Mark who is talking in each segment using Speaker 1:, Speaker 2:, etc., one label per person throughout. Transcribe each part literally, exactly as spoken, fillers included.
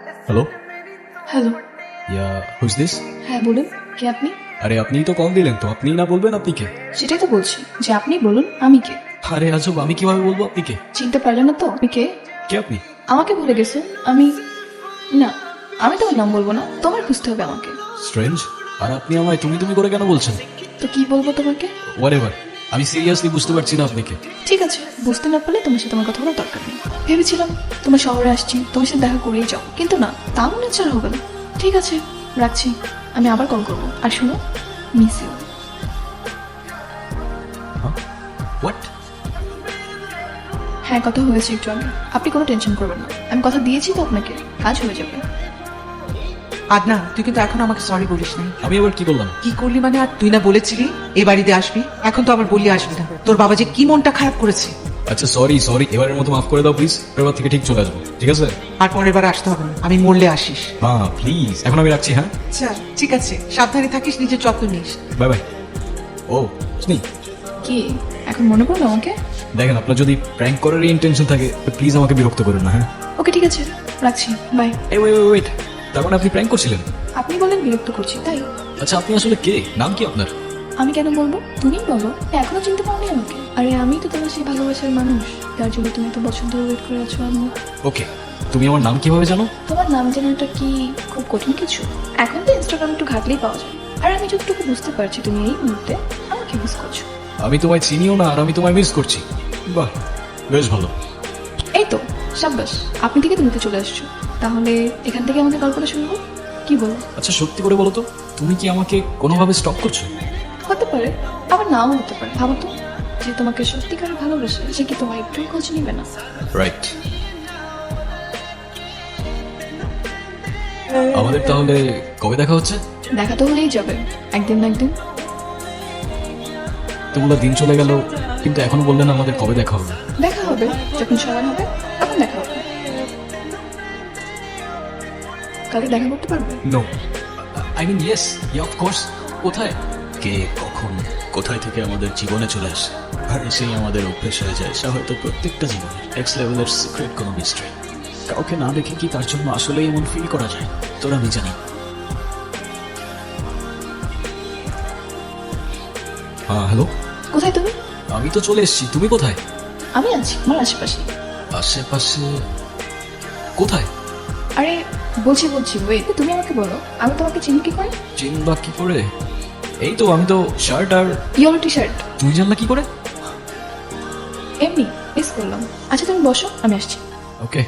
Speaker 1: Hello,
Speaker 2: hello.
Speaker 1: Yeah who's this?
Speaker 2: হ্যাঁ বলুন, কে আপনি?
Speaker 1: আরে আপনিই তো কল দিলেন, তো আপনি না বলবেন আপনি কে?
Speaker 2: সেটাই তো বলছি যে আপনি বলুন আমি কে।
Speaker 1: আরে আজব, আমি কিভাবে বলবো আপনি কে?
Speaker 2: চিনতে পারলেন না তো আপনি কে?
Speaker 1: কে আপনি?
Speaker 2: আমাকে ভুলে গেছো? আমি না, আমি তোমার নাম বলবো না, তোমার খুঁজতে হবে আমাকে।
Speaker 1: স্ট্রেঞ্জ। আর আপনি আমায় তুমি তুমি করে কেন বলছেন?
Speaker 2: তো কি বলবো তোমাকে?
Speaker 1: হোয়াটএভার, আমি সিরিয়াসলি বুঝতে পারছি না আপনি কে।
Speaker 2: ঠিক আছে, বুঝতে না পারলে তোমার সাথে আমার কথা বলার দরকার নেই। ভেবেছিলাম তোমার শহরে আসছি, তোমার সাথে দেখা করেই যাও, কিন্তু না, তা মনে হচ্ছে আর হবে না। ঠিক আছে, রাখছি, আমি আবার কল করবো। আর শোনো, মিস ইউ।
Speaker 1: হোয়াট?
Speaker 2: হ্যাঁ, কথা হয়েছে একটু আগে, আপনি কোনো টেনশন করবেন না, আমি কথা দিয়েছি তো আপনাকে, কাজ হয়ে যাবে।
Speaker 3: আদনা, তুই কিন্তু এখন আমাকে সরি বলিস না।
Speaker 1: আমি আবার কি করলাম?
Speaker 3: কি করলি মানে? আর তুই না বলেছিলি এই বাড়িতে আসবি, এখন তো আবার বললি আসবি না। তোর বাবা যে কি মনটা খারাপ করেছে।
Speaker 1: আচ্ছা সরি সরি, এবারের মতো মাফ করে দাও প্লিজ। এবার থেকে ঠিক চলে আসবো, ঠিক আছে?
Speaker 3: আর পরের বার আসতে হবে না, আমি মরলে আসিস।
Speaker 1: হ্যাঁ প্লিজ, এখন আমি রাখছি। হ্যাঁ,
Speaker 3: আচ্ছা ঠিক আছে, সাবধানে থাকিস, নিজের যত্ন নিস।
Speaker 1: Bye bye. ও স্নি,
Speaker 2: কি এখন মনে পড়লো আমাকে?
Speaker 1: দেখেন আপনার যদি প্র্যাঙ্ক করারই ইন্টেনশন থাকে প্লিজ আমাকে বিরক্ত করেন না। হ্যাঁ,
Speaker 2: ওকে ঠিক আছে, রাখছি, বাই।
Speaker 1: এই ওয়েট ওয়েট, তার মানে আপনি প্র্যাঙ্ক করছিলেন?
Speaker 2: আপনি বলেন বিরক্ত করছি তাই?
Speaker 1: আচ্ছা আপনি আসলে কে? নাম কি আপনার?
Speaker 2: আমি কেন বলবো, তুমিই বলো। এখনো চিনতে পারোনি আমাকে? আরে আমি তো তোমার সেই ভালোবাসার মানুষ, যার জন্য তুমি এত বছর ধরে ওয়েট করে আছো। আমি
Speaker 1: ওকে, তুমি আমার নাম কিভাবে জানো?
Speaker 2: তোমার নাম জানাটা কি খুব কঠিন কিছু? এখন তো ইনস্টাগ্রাম একটু ঘাটলেই পাওয়া যায়। আর আমি যতটুকু বুঝতে পারছি তুমি এই মুহূর্তে আমাকে মিস করছো।
Speaker 1: আমি তোমায় চিনিও না আর আমি তোমায় মিস করছি। বাহ, বেশ ভালো।
Speaker 2: এই তো, সাব্বাস, আপনি থেকে তুমিতে চলে আসছো। তাহলে এখান থেকে আমাদের গল্পটা শুনবো, কি বলো?
Speaker 1: আচ্ছা সত্যি করে বলো তো, তুমি কি আমাকে কোনোভাবে স্টপ করছো?
Speaker 2: হতে পারে, আবার নাও হতে পারে। ভাবো তো, যে তোমাকে সত্যিকার ভালোবাসে সে কি তোমার একটু খোঁজ নিবে না?
Speaker 1: রাইট। আমাদের তাহলে কবে দেখা হচ্ছে?
Speaker 2: দেখা তো হলেই যাবে, একদিন না একদিন।
Speaker 1: তোমরা দিন চলে গেল, কিন্তু এখনো বললে না আমাদের কবে দেখা হবে।
Speaker 2: দেখা হবে যখন সময় হবে, তখন দেখা হবে। কালকে দেখা করতে পারবে?
Speaker 1: No, I mean yes, yeah of course. কোথায়? কে কখন কোথায় থেকে আমাদের জীবনে চলে আসে আর এসেই আমাদের অভ্যেস হয়ে যায়, সে হয়তো প্রত্যেকটা জীবনের এক্স লেভেলের সিক্রেট কোনো মিস্ট্রি। কাউকে না দেখে কি তার জন্য আসলেই এমন ফিল করা যায়? তোরা আমি জানি। হ্যাঁ হ্যালো,
Speaker 2: কোথায় তুমি?
Speaker 1: আমি তো চলে এসেছি, তুমি কোথায়?
Speaker 2: আমি আছি আমার আশেপাশে।
Speaker 1: আশেপাশে? কোথায়?
Speaker 2: আরে বলছি বলছি ওয়েট, তুমি আমাকে বলো, আমি তোমাকে চিনি কি করে?
Speaker 1: চিনবা কি করে? এই তো আমি তো শার্ট আর
Speaker 2: ইয়োর টি শার্ট।
Speaker 1: তুমি জানলা কি করে?
Speaker 2: এমনি মিস করলাম। আচ্ছা তুমি বসো, আমি আসছি।
Speaker 1: ওকে।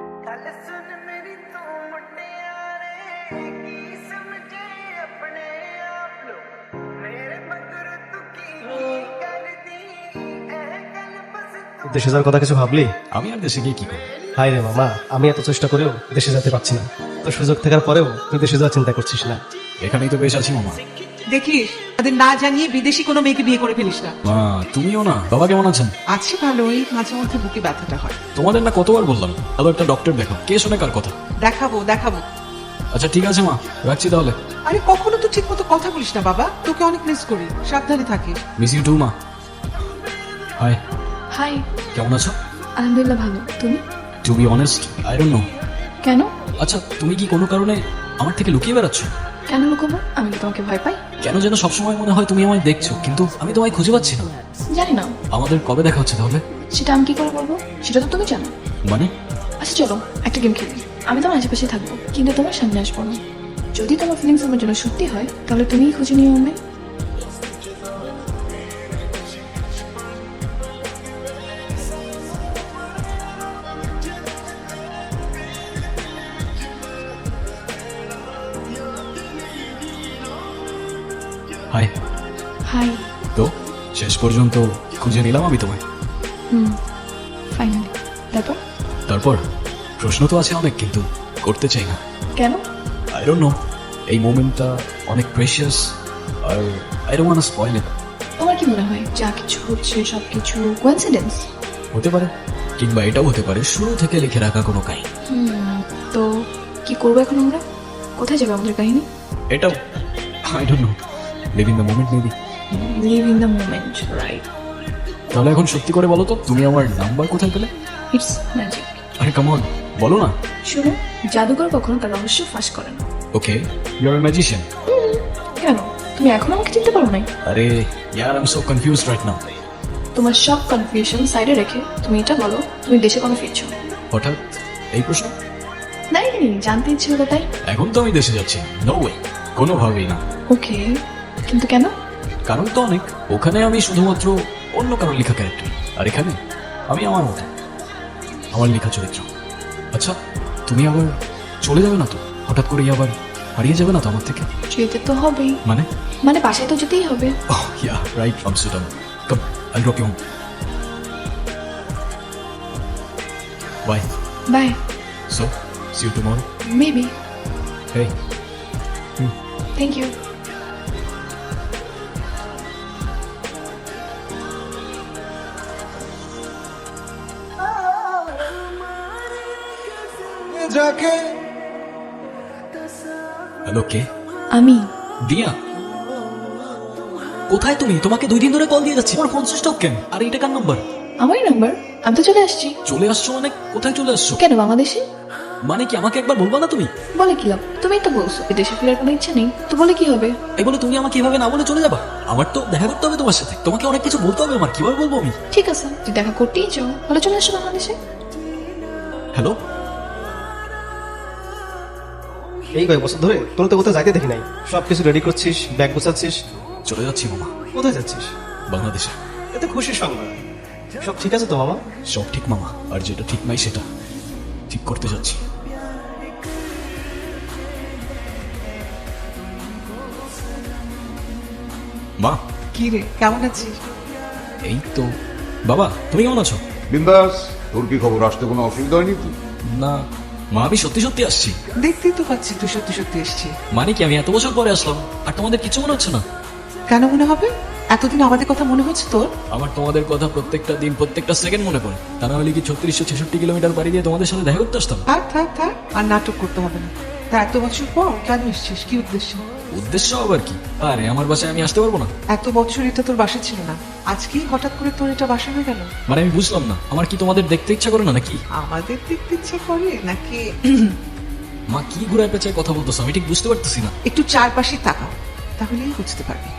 Speaker 4: দেশে যাওয়ার কথা কিছু ভাবলি?
Speaker 1: আমি আর দেশে গিয়ে কি করবো?
Speaker 4: হাই রে মামা, আমি এত চেষ্টা করেও দেশে যেতে পারছি না। তো সুযোগ থাকার পরেও তুই দেশে যাওয়ার চিন্তা করছিস না?
Speaker 1: এখানেই তো বেশ আছি মামা।
Speaker 3: দেখিস, তাদের না জানিয়ে বিদেশি কোনো মেয়েকে বিয়ে করে ফেলিস না।
Speaker 1: মা তুমিও না? বাবা কেমন আছেন?
Speaker 3: আছি ভালোই, মাঝে মধ্যে বুকে ব্যথাটা হয়।
Speaker 1: তোমাদের না কতবার বললাম আরো একটা ডক্টর দেখো, কে শোনে কার কথা?
Speaker 3: দেখাবো দেখাবো।
Speaker 1: আচ্ছা ঠিক আছে মা, রাখছি তাহলে।
Speaker 3: আরে কখনো তো ঠিক মতো কথা বলিস না বাবা, তোকে অনেক মিস করি, সাবধানে থাকিস।
Speaker 1: মিস ইউ টু মা। Hi,
Speaker 2: hi.
Speaker 1: কেমন আছো?
Speaker 2: আলহামদুলিল্লাহ ভালো, তুমি?
Speaker 1: To be honest I don't know.
Speaker 2: কেন?
Speaker 1: আচ্ছা তুমি কি কোনো কারণে আমার থেকে লুকিয়ে বেড়াচ্ছ?
Speaker 2: কেন লুকোবো? আমি কি তোমাকে ভয় পাই?
Speaker 1: কেন যেন সবসময় মনে হয় তুমি আমায় দেখছো, কিন্তু আমি তোমায় খুঁজে পাচ্ছি না।
Speaker 2: জানি না,
Speaker 1: আমাদের কবে দেখা হচ্ছে তাহলে?
Speaker 2: সেটা আমি কি করে বলবো, সেটা তো তুমি জানো।
Speaker 1: মানে?
Speaker 2: আচ্ছা চলো একটা গেম খেলি, আমি তোমার আশেপাশে থাকবো কিন্তু তোমার সামনে আসবো না। যদি তোমার ফিলিংস আমার জন্য সত্যি হয় তাহলে তুমিই খুঁজে নিও আমায়।
Speaker 1: হাই।
Speaker 2: হাই।
Speaker 1: তো শেষ পর্যন্ত খুঁজে নিলাম আমি তোমায়।
Speaker 2: Hmm, finally. তারপর?
Speaker 1: তারপর প্রশ্ন তো আছে অনেক, কিন্তু করতে চাই না।
Speaker 2: কেন?
Speaker 1: আই ডোন্ট নো, এই মোমেন্টটা অনেক প্রেশিয়াস আর I don't want to spoil it.
Speaker 2: তোমার কি মনে হয় যা কিছু হচ্ছে সব কিছু কোইন্সিডেন্স?
Speaker 1: হতে পারে, কিংবা এটাও হতে পারে শুরু থেকে লিখে রাখা কোনো কাহিনী।
Speaker 2: হুম, তো কি করবো এখন আমরা? কোথায় যাবে আমাদের কাহিনী?
Speaker 1: এটাও I don't know, live in the moment maybe.
Speaker 2: Live in the moment, right.
Speaker 1: তাহলে এখন সত্যি করে বলো তো, তুমি আমার নাম্বার কোথায় পেলে?
Speaker 2: It's magic.
Speaker 1: আরে কাম অন, বলো না।
Speaker 2: শুনো, জাদুকর কখনো তার রহস্য ফাঁস করে না।
Speaker 1: Okay, you are a magician.
Speaker 2: কেন, তুমি এখনো আমাকে চিনতে পারো নাই?
Speaker 1: আরে ইয়ার, I am so confused right now.
Speaker 2: তোমার সব কনফিউশন সাইডে রেখে তুমি এটা বলো, তুমি দেশে কবে ফিরছো?
Speaker 1: হঠাৎ এই প্রশ্ন?
Speaker 2: নাই নাই, জানতে ইচ্ছে হলো তাই।
Speaker 1: এখন তো আমি দেশে যাচ্ছি। নো ওয়ে, কোনোভাবেই না।
Speaker 2: ওকে, কিন্তু কেন?
Speaker 1: কারণ তো অনেক। ওখানে আমি শুধুমাত্র অন্য কারোর লেখা ক্যারেক্টার, আর এখানে আমি আমার মতো, আমার লেখা চরিত্র। আচ্ছা, তুমি আবার চলে যাবে না তো? হঠাৎ করেই আবার হারিয়ে যাবে না তো আমার থেকে?
Speaker 2: যেতে তো হবেই।
Speaker 1: মানে?
Speaker 2: মানে বাসায় তো যেতেই হবে।
Speaker 1: Oh, yeah, right, Amsterdam. Come, I'll drop you home. Bye.
Speaker 2: Bye.
Speaker 1: So, see you tomorrow.
Speaker 2: Maybe.
Speaker 1: Hey.
Speaker 2: Thank you.
Speaker 1: Hello, কে?
Speaker 2: আমি।
Speaker 1: দিয়া, কোথায় তুমি? তোমাকে দুই দিন ধরে কল দিয়ে যাচ্ছি, আমার ফোন সুইচ অফ কেন? আর এটা কার নাম্বার?
Speaker 2: আমারই নাম্বার। আমি তো চলে আসছি।
Speaker 1: চলে আসছো মানে? কোথায় চলে আসছো?
Speaker 2: কেন, বাংলাদেশে?
Speaker 1: মানে কি, আমাকে একবার বলবা না তুমি?
Speaker 2: বলে কি লাভ? তুমি তো বলছো দেশে ফেরার কোনো ইচ্ছা নেই, তো বলে কি হবে?
Speaker 1: এই বলে তুমি আমাকে এভাবে না বলে চলে যাবা? আমার তো দেখা করতে হবে তোমার সাথে, তোমাকে অনেক কিছু বলতে হবে আমার। কিভাবে বলবো আমি?
Speaker 2: ঠিক আছে, তুই দেখা করতেই চাও, তাহলে চলে আসো বাংলাদেশে।
Speaker 1: হ্যালো,
Speaker 4: এই কয়েক বছর ধরে তোর তো কোথাও যাইতে দেখি নাই। সবকিছু রেডি করছিস, ব্যাগ গোছাচ্ছিস।
Speaker 1: চলে যাচ্ছি মামা,
Speaker 4: কোথায় যাচ্ছিস?
Speaker 1: বাংলাদেশে।
Speaker 4: এতে খুশির সংবাদ। সব ঠিক আছে তো মামা?
Speaker 1: সব ঠিক মামা, আর যেটা ঠিক নাই সেটা ঠিক করতে যাচ্ছি। মা,
Speaker 3: কি রে, কেমন আছিস?
Speaker 1: এই তো। বাবা, তুমি কেমন আছো?
Speaker 5: বিন্দাস, তোর কি খবর? আসতে কোনো অসুবিধা হয়নি তো?
Speaker 1: না মা, আমি সত্যি সত্যি আসছি।
Speaker 3: দেখতেই তো পাচ্ছি তুই সত্যি সত্যি এসছি।
Speaker 1: মানে কি, আমি এত বছর পরে আসলাম আর তোমাদের কিছু মনে হচ্ছে না?
Speaker 3: কেন মনে হবে? এতদিন আমাদের কথা মনে হচ্ছে তোর?
Speaker 1: আমার তোমাদের কথা প্রত্যেকটা দিন, প্রত্যেকটা সেকেন্ড মনে পড়ে। তা না হলে কি ছত্রিশশো ছেষট্টি কিলোমিটার পাড়ি দিয়ে তোমাদের সাথে দেখা করতে আসতাম?
Speaker 3: থাক থাক থাক, আর নাটক করতে হবে না। তা এত বছর পর কেন এসছিস? কি উদ্দেশ্য?
Speaker 1: উদ্দেশ্য আবার কি? আরে আমার বাসায় আমি আসতে পারবো না?
Speaker 3: এত বছর এটা তোর বাসা ছিল না, আজকেই হঠাৎ করে তোর এটা বাসা হয়ে গেল?
Speaker 1: মানে আমি বুঝলাম না, আমার কি তোমাদের দেখতে ইচ্ছা করে না নাকি?
Speaker 3: আমাদের দেখতে ইচ্ছে করে নাকি?
Speaker 1: মা, কি ঘুরায় পেঁচায় কথা বলতেছো? আমি ঠিক বুঝতে পারতেছি না।
Speaker 3: একটু চারপাশে তাকাও, তাহলেই বুঝতে পারবি।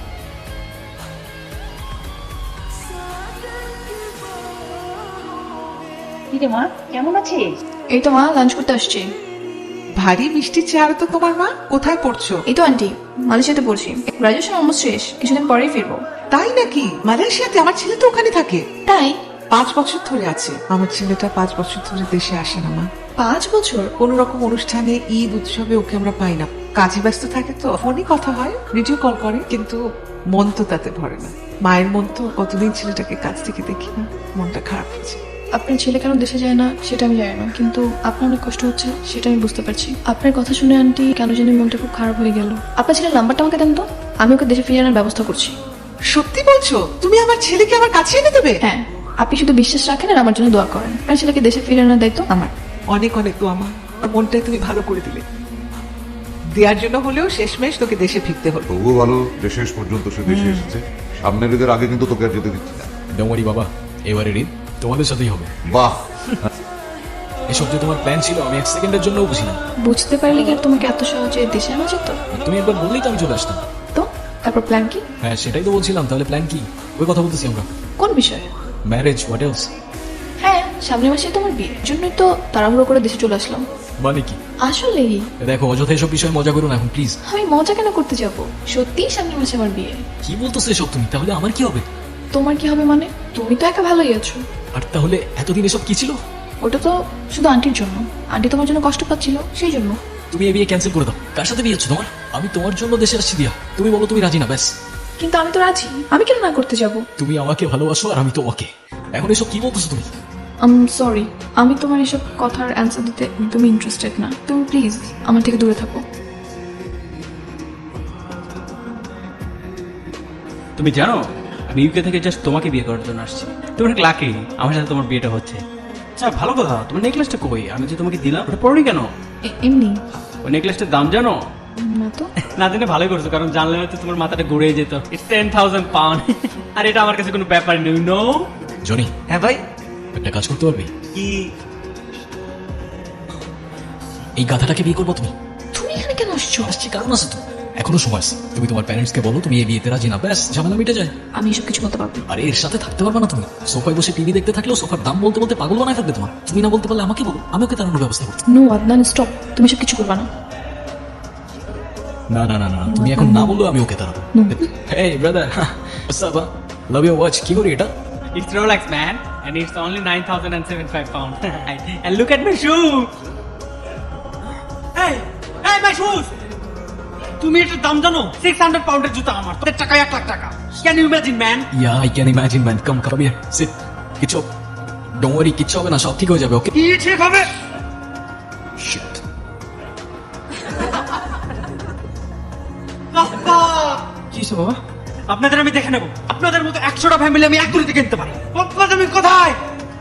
Speaker 6: কিরে মা, কেমন আছিস?
Speaker 2: এই তো মা, লাঞ্চ করতে আসছি।
Speaker 3: ভারী মিষ্টি চেহারা তো তোমার মা। কোথায় পড়ছো?
Speaker 2: এই তো আন্টি, মালয়েশিয়াতে পড়ছি। গ্রাজুয়েশন অলমোস্ট শেষ, কিছুদিন পরেই ফিরবো।
Speaker 3: তাই নাকি? মালয়েশিয়াতে? আমার ছেলে তো ওখানে থাকে।
Speaker 2: তাই?
Speaker 3: পাঁচ বছর ধরে আছে। আমার ছেলেটা পাঁচ বছর ধরে দেশে আসে না মা।
Speaker 2: পাঁচ বছর?
Speaker 3: কোন রকম অনুষ্ঠানে, ঈদ উৎসবে ওকে আমরা পাই না। কাজে ব্যস্ত থাকে তো, ফোনে কথা হয়, ভিডিও কল করে, কিন্তু মন তো তাতে ভরে না। মায়ের মন তো, কতদিন ছেলেটাকে কাছ থেকে দেখি না, মনটা খারাপ হয়েছে।
Speaker 2: আপনার ছেলে কেন দেশে যায় না সেটা আমি জানি না, কিন্তু আপনার অনেক কষ্ট হচ্ছে সেটা আমি বুঝতে পারছি। আপনার কথা শুনে আন্টি কেন জানি মনটা খুব খারাপ হয়ে গেল। আপনার ছেলের নাম্বারটা আমাকে দেন তো, আমি ওকে দেশে ফিরিয়ে আনার ব্যবস্থা করছি।
Speaker 3: সত্যি বলছো? তুমি আমার ছেলেকে আমার কাছে এনে দেবে?
Speaker 2: হ্যাঁ, আপনি শুধু বিশ্বাস রাখেন আর আমার জন্য দোয়া করেন। আপনার ছেলেকে দেশে ফিরিয়ে আনার দায়িত্ব আমার।
Speaker 3: অনেক অনেক তো আমার মনটাই তুমি ভালো করে দিলে। দেওয়ার জন্য হলেও শেষমেশ তোকে দেশে ফিরতে হলো।
Speaker 5: তবুও ভালো যে শেষ পর্যন্ত সে দেশে এসেছে। সামনের ঈদের আগে কিন্তু তোকে আর যেতে দিচ্ছি না।
Speaker 1: ডোন্ট বাবা, এবারে ঈদ তোমাদের সাথেই হবে।
Speaker 5: বাহ,
Speaker 1: এসব যে তোমার প্ল্যান ছিল আমি এক সেকেন্ডের জন্য বুঝি না।
Speaker 2: বুঝতে পারলে কি আর তোমাকে এত সহজে দেশে আনা যেত?
Speaker 1: আর তুমি একবার বললেই তো আমি চলে আসতাম।
Speaker 2: তো তারপর প্ল্যান কি?
Speaker 1: হ্যাঁ, সেটাই তো বলছিলাম। তাহলে প্ল্যান কি? ওই কথা বলতেছি আমরা।
Speaker 2: কোন বিষয়ে?
Speaker 1: Marriage, what else?
Speaker 2: হ্যাঁ, সামনের মাসে তোমার বিয়ে, জন্যই তো তাড়াহুড়ো করে দেশে চলে আসলাম।
Speaker 1: মানে কি?
Speaker 2: আসলেই
Speaker 1: দেখো, অযথা এসব বিষয়ে মজা করো না এখন প্লিজ।
Speaker 2: আমি মজা কেন করতে যাব? সত্যিই সামনের মাসে আমার বিয়ে।
Speaker 1: কি বলতেছো এসব তুমি? তাহলে আমার কি হবে?
Speaker 2: তোমার কি হবে মানে? তুমি তো একা ভালোই আছো।
Speaker 1: আর তাহলে এতদিন এসব কি ছিল?
Speaker 2: ওটা তো শুধু আন্টির জন্য। আন্টি তোমার জন্য কষ্ট পাচ্ছিল, সেই জন্য।
Speaker 1: তুমি এই বিয়ে ক্যান্সেল করে দাও। কার সাথে বিয়ে হচ্ছে তোমার? আমি তোমার জন্য দেশে আসছি দিয়া। তুমি বলো তুমি রাজি না, ব্যাস।
Speaker 2: কিন্তু আমি তো রাজি, আমি কেন না করতে যাব?
Speaker 1: তুমি আমাকে ভালোবাসো আর আমি তোমাকে। এখন এসব কি বলতেছো তুমি?
Speaker 2: আম সরি, আমি তোমার এসব কথার অ্যান্সার দিতে তুমি ইন্টারেস্টেড না। তুমি প্লিজ আমার থেকে দূরে থাকো।
Speaker 7: তুমি জানো আমি ইউকে থেকে জাস্ট তোমাকে বিয়ে করার জন্য আসছি। তুমি অনেক লাকি, আমার সাথে তোমার বিয়েটা হচ্ছে। আচ্ছা ভালো কথা, তোমার নেকলেসটা কই? আমি যে তোমাকে দিলাম ওটা পড়ি কেন?
Speaker 2: এ- এমনি
Speaker 7: ওই নেকলেসটার দাম জানো?
Speaker 2: না তো।
Speaker 7: না জেনে ভালোই করছো, কারণ জানলে হয়তো তোমার মাথাটা ঘুরে যেত। It's ten thousand pound. আর এটা আমার কাছে কোনো ব্যাপার নেই। নো
Speaker 1: জনি,
Speaker 3: হ্যাঁ ভাই।
Speaker 1: একটা কাজ করতে পারবি?
Speaker 7: কি?
Speaker 1: এই গাধাটাকে বিয়ে করবো তুমি?
Speaker 2: তুমি এখানে কেন আসছো?
Speaker 1: আসছি কারণ আছে তো, এখনো সময় আছে। তুমি তোমার প্যারেন্টসকে বলো তুমি এই বিয়েতে রাজি না, ব্যাস ঝামেলা মিটে যায়।
Speaker 2: আমি এসব কিছু বলতে পারবো না।
Speaker 1: আরে এর সাথে থাকতে পারবে না তুমি। সোফায় বসে টিভি দেখতে থাকলেও সোফার দাম বলতে বলতে পাগল বানায় ফেলবে তোমার। তুমি না বলতে পারলে আমাকে বলো, আমি ওকে তাড়ানোর ব্যবস্থা করতে।
Speaker 2: No Adnan, stop. তুমি সব কিছু করবা না।
Speaker 1: না না না না, তুমি এখন না বললো আমি ওকে তাড়াবো। এই brother, what's up? Love you watch. কি করি এটা?
Speaker 7: It's Rolex, man, and it's only nine thousand seventy-five pounds. And look at my shoes. Hey, hey, my shoes. তুমি এটার দাম জানো? six hundred পাউন্ডের জুতা আমার, তোর টাকা এক লাখ টাকা। Can you imagine, man?
Speaker 1: Yeah I can imagine man. Come come here, sit. কিচ্ছু ডোন্ট ওয়ারি, কিচ্ছু হবে না, সব ঠিক হয়ে যাবে। ওকে?
Speaker 7: কি ঠিক হবে?
Speaker 1: শিট।
Speaker 7: কি হইছে বাবা? আপনাদের আমি দেখে নেব। আপনাদের মতো একশোটা ফ্যামিলি আমি এক গুলিতে কিনতে পারি। বাবা তুমি কোথায়?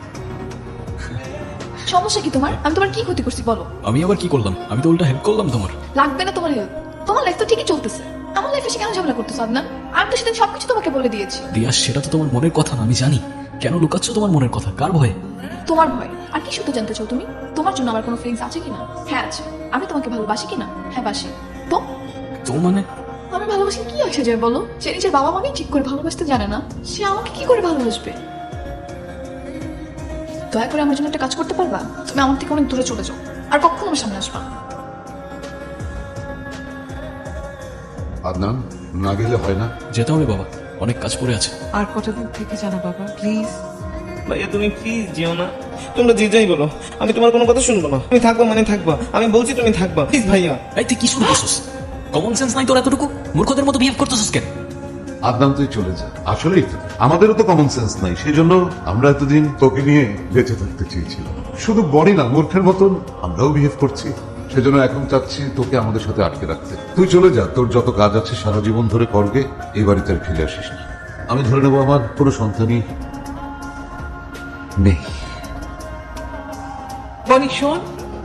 Speaker 2: সমস্যা কি তোমার? আমি তোমার কি ক্ষতি করছি বলো?
Speaker 1: আমি আবার কি করলাম? আমি তো উল্টা হেল্প করলাম তোমার।
Speaker 2: লাগবে না তোমার হেল্প। তোমার লাইফ তো ঠিকই চলতেছে, আমার লাইফে এসে কেন ঝামেলা করতেছো আদনান? আমি তো সেদিন সবকিছু তোমাকে বলে দিয়েছি।
Speaker 1: দিয়া, সেটা তো তোমার মনের কথা না, আমি জানি। কেন লুকাচ্ছ তোমার মনের কথা? কার ভয়ে?
Speaker 2: তোমার ভয়। আর কি শুধু জানতে চাও তুমি? তোমার জন্য আমার কোনো ফিলিংস আছে কিনা? হ্যাঁ আছে। আমি তোমাকে ভালোবাসি কিনা? হ্যাঁ বাসি। তো
Speaker 1: তো মানে
Speaker 2: আমি ভালোবাসি কি আসে যায় বলো? সে নিজের বাবা মাকেই ঠিক করে ভালোবাসতে জানে না, সে আমাকে কি করে ভালোবাসবে? দয়া করে আমার জন্য একটা কাজ করতে পারবা? তুমি আমার থেকে অনেক দূরে চলে যাও, আর কখনো আমার সামনে আসবা না।
Speaker 5: আদনান, না গেলে হয় না।
Speaker 1: যেতে হবে বাবা, অনেক কাজ পড়ে আছে।
Speaker 3: আর কটা দিন থেকে জানা বাবা, প্লিজ।
Speaker 8: ভাইয়া তুমি প্লিজ যেও না, তোমরা যে যাই বলো আমি তোমার কোনো কথা শুনবো না। তুমি থাকবা মানে থাকবা, আমি বলছি তুমি থাকবা, প্লিজ ভাইয়া।
Speaker 1: এই তুই কি শুরু করছিস? কমন সেন্স নাই তোর এতটুকু? মূর্খদের মতো বিহেভ করতেছিস কেন?
Speaker 5: আদনান, তুই চলে যা। আসলেই তো আমাদেরও তো কমন সেন্স নাই, সেই জন্য আমরা এতদিন তোকে নিয়ে বেঁচে থাকতে চেয়েছিলাম। শুধু বড়ি না, মূর্খের মতন আমরাও বিহেভ করছি। সেজন্য এখন চাচ্ছি তোকে আমাদের সাথে আটকে রাখতে। তুই চলে যা, তোর যত কাজ আছে সারা জীবন ধরে করবে, এই বাড়িতে আর ফিরে আসিস না। আমি ধরে নেবো আমার কোনো সন্তানই নেই।
Speaker 3: বনি শোন,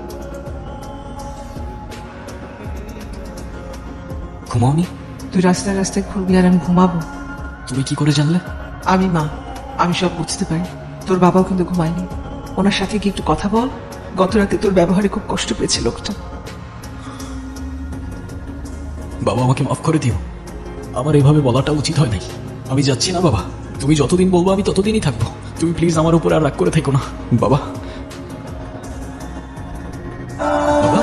Speaker 1: ঘুমাওনি?
Speaker 3: তুই রাস্তায় রাস্তায় ঘুরবি আর আমি ঘুমাবো?
Speaker 1: তুমি কি করে জানলে?
Speaker 3: আমি মা, আমি সব বুঝতে পারি। তোর বাবাও কিন্তু ঘুমায়নি। ওনার সাথে কি একটু কথা বল। গত রাতে তোর ব্যবহারে খুব কষ্ট পেয়েছে লোকটা।
Speaker 1: বাবা, আমাকে মাফ করে দিও। আমার এভাবে বলাটা উচিত হয় নাই। আমি যাচ্ছি না বাবা, তুমি যতদিন বলবো আমি ততদিনই থাকবো। তুমি প্লিজ আমার উপর আর রাগ করে থেকো না বাবা। বাবা,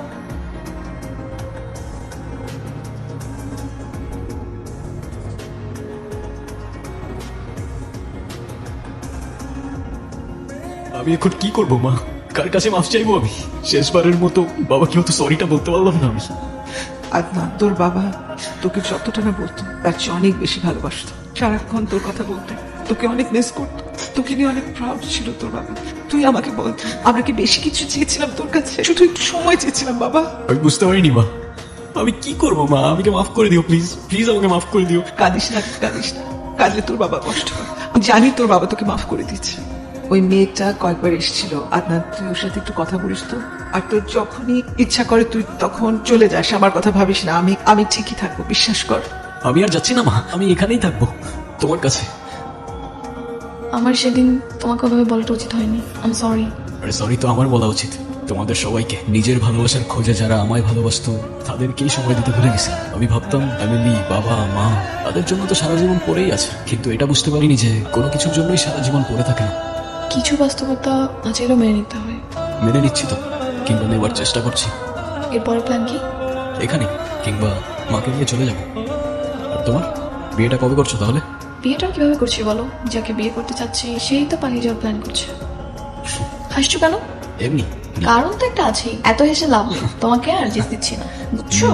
Speaker 1: আমি এখন কি করবো মা? কার কাছে মাফ চাইবো আমি? শেষবারের মতো বাবাকে হয়তো সরিটা বলতে পারলাম না আমি।
Speaker 3: আদনান, তোর বাবা তোকে যতটা না বলতো তার চেয়ে অনেক বেশি ভালোবাসতো। সারাক্ষণ তোর কথা বলতো, তোকে অনেক মিস করতো, তোকে নিয়ে অনেক প্রাউড ছিল তোর বাবা। তুই আমাকে বল, আমরা কি বেশি কিছু চেয়েছিলাম তোর কাছে? শুধু একটু সময় চেয়েছিলাম বাবা।
Speaker 1: আমি বুঝতে পারিনি মা, আমি কি করবো মা? আমাকে মাফ করে দিও প্লিজ, প্লিজ আমাকে মাফ করে দিও।
Speaker 3: কাঁদিস না, কাঁদিস না, কাঁদলে তোর বাবা কষ্ট পায়। আমি জানি তোর বাবা তোকে মাফ করে দিচ্ছে। ওই মেয়েটা কয়েকবার এসেছিল আদনান, তুই ওর সাথে একটু কথা বলিস তো। আর তোর যখনই ইচ্ছা করে তুই তখন চলে যাস, আমার কথা ভাবিস না। আমি আমি ঠিকই থাকবো, বিশ্বাস কর।
Speaker 1: আমি আর যাচ্ছি না মা, আমি এখানেই থাকবো তোমার কাছে।
Speaker 2: আমার সেদিন তোমাকে ওভাবে বলাটা উচিত হয়নি। I am sorry.
Speaker 1: আরে সরি তো আমার বলা উচিত। তোমাদের সবাইকে, নিজের ভালোবাসার খোঁজে যারা আমায় ভালোবাসতো তাদেরকেই সময় দিতে ভুলে গেছি। আমি ভাবতাম ফ্যামিলি, বাবা মা, তাদের জন্য তো সারা জীবন পড়েই আছে, কিন্তু এটা বুঝতে পারিনি যে কোনো কিছুর জন্যই সারা জীবন পড়ে থাকে না।
Speaker 2: কিছু বাস্তবতা আজেরও মেনে নিতে হয়।
Speaker 1: মেনে নিচ্ছি তো, কিংবা নেবার চেষ্টা করছি।
Speaker 2: এরপরের প্ল্যান কি?
Speaker 1: এখানে কিংবা মাকে নিয়ে চলে যাবো। আর তোমার বিয়েটা কবে করছো তাহলে?
Speaker 2: বিয়েটা কিভাবে করছি বলো? যাকে বিয়ে করতে চাচ্ছি সেই তো পালিয়ে যাওয়ার প্ল্যান করছে। হাসছো কেন?
Speaker 1: এমনি।
Speaker 2: কারণ তো একটা আছেই, এত হেসে লাভ নেই। তোমাকে আর জিত দিচ্ছি না, বুঝছো?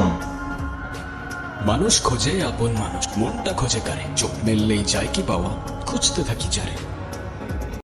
Speaker 1: মানুষ খোঁজে আপন মানুষ, মনটা খোঁজে কারে, চোখ মেললেই যায় কি পাওয়া, খুঁজতে থাকি যারে।